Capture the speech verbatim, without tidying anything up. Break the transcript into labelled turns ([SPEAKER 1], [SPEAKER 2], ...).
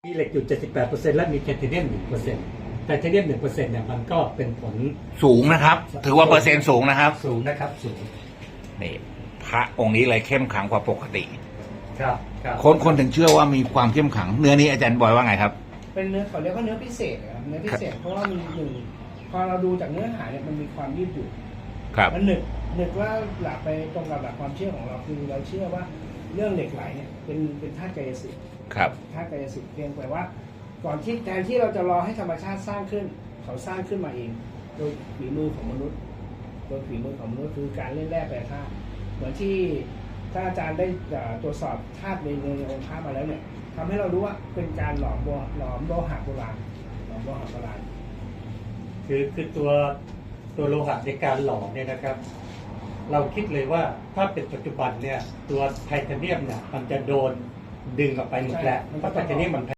[SPEAKER 1] มีเหล็กอยู่ เจ็ดสิบแปดเปอร์เซ็นต์ และมีไทเทเนียม หนึ่งเปอร์เซ็นต์ ไทเทเนียม หนึ่งเปอร์เซ็นต์ เนี่ยมันก็เป็นผล
[SPEAKER 2] สูงนะครับ ถือว่าเปอร์เซ็นต์สูงนะครับ
[SPEAKER 1] สูงนะครับสูง
[SPEAKER 2] นี่พระองค์นี้เลยเข้มขังกว่าปกติ
[SPEAKER 1] ครับครับ
[SPEAKER 2] คนคนถึงเชื่อว่ามีความเข้มขังเนื้อนี้อาจารย์บอยว่าไงครับ
[SPEAKER 3] เป็นเนื้อเขาเรียกว่าเนื้อพิเศษครับเนื้อพิเศษเพราะว่ามันหนึ่งพอเราดูจากเนื้อหาเนี่ยมันมีความยืดหยุ่น
[SPEAKER 2] ครับ
[SPEAKER 3] มันหนึกหนึกว่าหลักไปตรงกับหลักความเชื่อของเราคือเราเชื่อว่าเรื่องเหล็กไหลเนี่ยเป็นเป็นธาตุกายสิทธิ์
[SPEAKER 2] ครับ
[SPEAKER 3] ธาตุกายสิทธิ์เพียงแต่ว่าก่อนที่แทนที่เราจะรอให้ธรรมชาติสร้างขึ้นเขาสร้างขึ้นมาเองโดยฝีมือของมนุษย์โดยฝีมือของมนุษย์คือการเล่นแร่แปรธาตุเหมือนที่ถ้าอาจารย์ได้ตรวจสอบธาตุในในองค์พระมาแล้วเนี่ยทำให้เรารู้ว่าเป็นการหลอมโลหลอมโลหะโบราณหลอมโลหะโบราณ
[SPEAKER 1] คือคือตัวตัวโลหะในการหล่อเนี่ยนะครับ เราคิดเลยว่าถ้าเป็นปัจจุบันเนี่ยตัวไทเทเนียมเนี่ยมันจะโดนดึงออกไปหมดแล้วเพราะไทเทเนียมมัน